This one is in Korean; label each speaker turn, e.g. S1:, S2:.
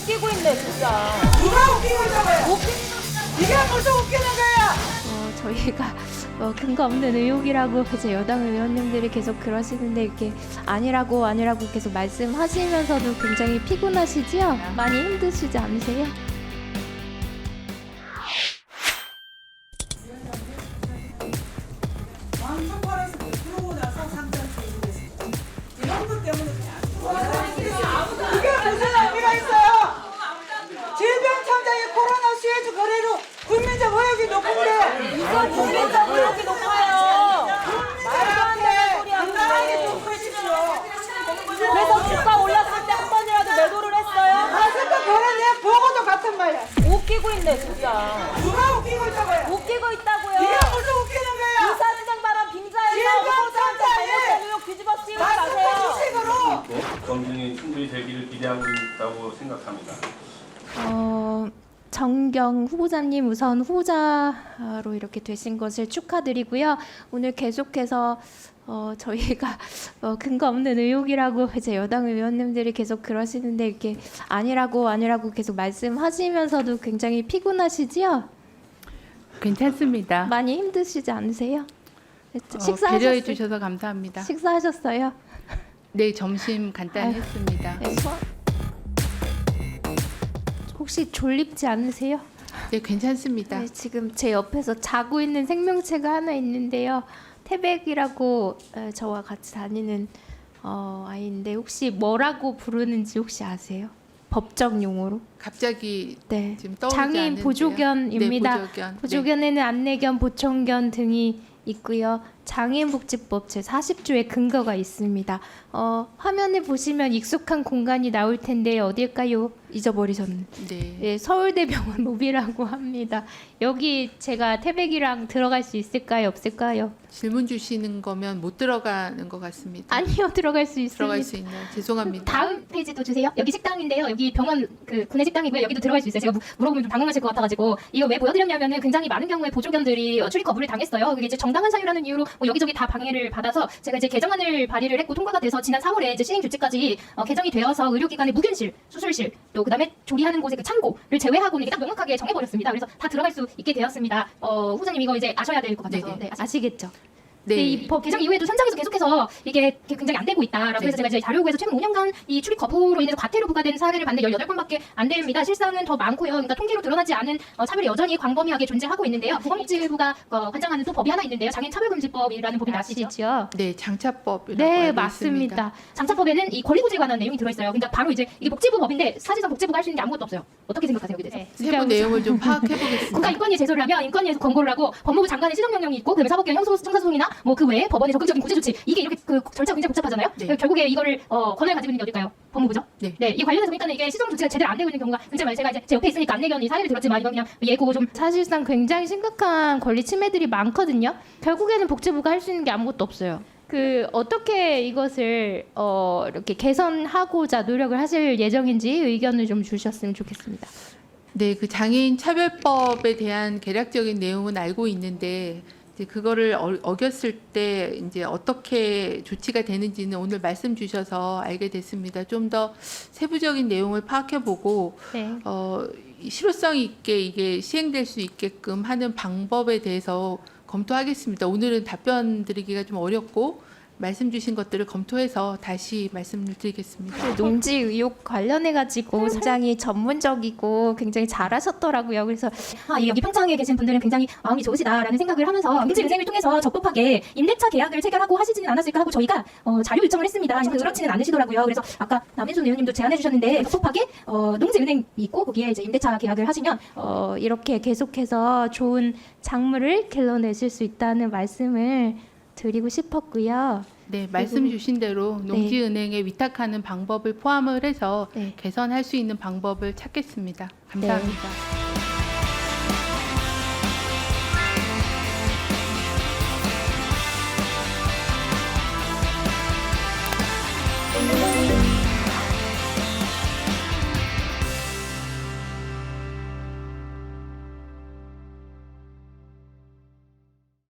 S1: 웃기고 있네 진짜.
S2: 누가 웃기고 있다고요? 이게 무슨 웃기는 거야?
S3: 저희가 근거 없는 의혹이라고 이제 여당 의원님들이 계속 그러시는데 이렇게 아니라고 계속 말씀하시면서도 굉장히 피곤하시지요? 많이 힘드시지 않으세요?
S2: 방송관에서 들어오고 나서 상장을 이루겠습니다. 이런 것 때문에 이게 무슨 의미가 있어요? 질병청장이 코로나 수혜주 거래로 국민적 의혹이 높은데
S1: 이건 국민적 의혹이 높아요. 말도 안 되는 소리 하고
S2: 당당하게 좀 보십시오.
S1: 그래서 주가 올랐을 때 한 번이라도 매도를 했어요.
S2: 아직도 그런 내 보고도 같은 말이야.
S1: 웃기고 있네 진짜.
S2: 누가 웃기고 있다고요?
S1: 웃기고 있다고요.
S2: 이게 무슨 웃기는 거야?
S1: 이사진행 발언 빙자해서
S2: 질병
S1: 후보자한테
S2: 청장이
S1: 잘못된 의혹 뒤집어 씌우지
S2: 말씀
S1: 마세요.
S2: 주식으로
S4: 검증이 충분히 되기를 기대하고 있다고 생각합니다.
S3: 정경 후보자님 우선 후보자로 이렇게 되신 것을 축하드리고요. 오늘 계속해서 저희가 근거 없는 의혹이라고 이제 여당 의원님들이 계속 그러시는데 이렇게 아니라고 계속 말씀하시면서도 굉장히 피곤하시지요?
S5: 괜찮습니다.
S3: 많이 힘드시지 않으세요?
S5: 배려해
S3: 식사하셨어요?
S5: 주셔서 감사합니다.
S3: 식사하셨어요?
S5: 네, 점심 간단히 했습니다.
S3: 네, 혹시 졸립지 않으세요?
S5: 네, 괜찮습니다.
S3: 네, 지금 제 옆에서 자고 있는 생명체가 하나 있는데요. 태백이라고 저와 같이 다니는 아이인데 혹시 뭐라고 부르는지 혹시 아세요? 법적 용어로?
S5: 갑자기
S3: 네.
S5: 지금 떠오르지
S3: 장애인
S5: 않는데요.
S3: 보조견입니다.
S5: 네, 보조견.
S3: 보조견에는 안내견, 보청견 등이 있고요. 장애인복지법 제40조의 근거가 있습니다. 화면에 보시면 익숙한 공간이 나올 텐데 어딜까요? 잊어버리셨네.
S5: 네.
S3: 네, 서울대병원 로비라고 합니다. 여기 제가 태백이랑 들어갈 수 있을까요? 없을까요?
S5: 질문 주시는 거면 못 들어가는 것 같습니다.
S3: 아니요, 들어갈 수 있습니다.
S5: 들어갈 수 있나요? 죄송합니다.
S6: 다음 페이지도 주세요. 여기 식당인데요. 여기 병원 그 구내 식당이고요. 여기도 들어갈 수 있어요. 제가 물어보면 좀 당황하실 것 같아가지고 이거 왜 보여드렸냐면은 굉장히 많은 경우에 보조견들이 출입 거부를 당했어요. 그게 이제 정당한 사유라는 이유로 뭐 여기저기 다 방해를 받아서 제가 이제 개정안을 발의를 했고 통과가 돼서 지난 4월에 이제 시행 조치까지 개정이 되어서 의료기관의 무균실, 수술실 또 그다음에 조리하는 곳의 그 창고를 제외하고는 이게 딱 명확하게 정해버렸습니다. 그래서 다 들어갈 수 있게 되었습니다. 후보자님 이거 이제 아셔야 될 것 같아서. 네,
S3: 아시겠죠?
S6: 네, 이 법 개정 이후에도 현장에서 계속해서 이게 굉장히 안 되고 있다라고 해서 제가 이제 자료국에서 최근 5년간 이 출입 거부로 인해서 과태료 부과된 사례를 봤는데 18건밖에 안 됩니다. 실상은 더 많고요. 그러니까 통계로 드러나지 않은 차별이 여전히 광범위하게 존재하고 있는데요. 보건복지부가 관장하는 또 법이 하나 있는데요. 장애인 차별금지법이라는 법이 아시죠?
S3: 아시죠?
S5: 네, 장차법이라고
S3: 네,
S5: 알고
S3: 맞습니다.
S5: 있습니다.
S6: 장차법에는 이 권리구제에 관한 내용이 들어있어요. 그러니까 바로 이제 이게 복지부 법인데 사실상 복지부가 할 수 있는 게 아무것도 없어요. 어떻게 생각하세요? 여기 대해서?
S5: 세부 내용을 좀 파악해 보겠습니다.
S6: 국가인권위에 제소를 하면 인권위에서 권고를 하고 법무부 장관의 시정명령이 있고 그다음에 사법개혁 형사소송이나 뭐 그 외에 법원의 적극적인 구제 조치 이게 이렇게 그 절차가 굉장히 복잡하잖아요.
S5: 네.
S6: 결국에 이거를 권한을 가지고 있는 게 어딜까요? 법무부죠.
S5: 네.
S6: 이 관련해서 일단은 이게 시정 조치가 제대로 안 되고 있는 경우가 굉장히 많아요. 제가 이제 제 옆에 있으니까 안내견이 사례를 들었지만 이건 그냥 예고 좀
S3: 사실상 굉장히 심각한 권리 침해들이 많거든요. 결국에는 복지부가 할 수 있는 게 아무것도 없어요. 어떻게 이것을 이렇게 개선하고자 노력을 하실 예정인지 의견을 좀 주셨으면 좋겠습니다.
S5: 네, 그 장애인 차별법에 대한 개략적인 내용은 알고 있는데 이제 그거를 어겼을 때 이제 어떻게 조치가 되는지는 오늘 말씀 주셔서 알게 됐습니다. 좀 더 세부적인 내용을 파악해 보고
S3: 네.
S5: 실효성 있게 이게 시행될 수 있게끔 하는 방법에 대해서 검토하겠습니다. 오늘은 답변 드리기가 좀 어렵고 말씀 주신 것들을 검토해서 다시 말씀을 드리겠습니다.
S3: 농지 의혹 관련해가지고 굉장히 전문적이고 굉장히 잘하셨더라고요. 그래서
S6: 여기 평창에 계신 분들은 굉장히 마음이 좋으시다라는 생각을 하면서 민주은행을 통해서 적법하게 임대차 계약을 체결하고 하시지는 않았을까 하고 저희가 자료 요청을 했습니다. 근데 그렇지는 않으시더라고요. 그래서 아까 남인순 의원님도 제안해 주셨는데 적법하게 농지은행이 있고 거기에 이제 임대차 계약을 하시면
S3: 이렇게 계속해서 좋은 작물을 길러내실 수 있다는 말씀을 드리고 싶었고요.
S5: 네, 말씀 주신 대로
S3: 네.
S5: 농지은행에 위탁하는 방법을 포함을 해서
S3: 네.
S5: 개선할 수 있는 방법을 찾겠습니다. 감사합니다.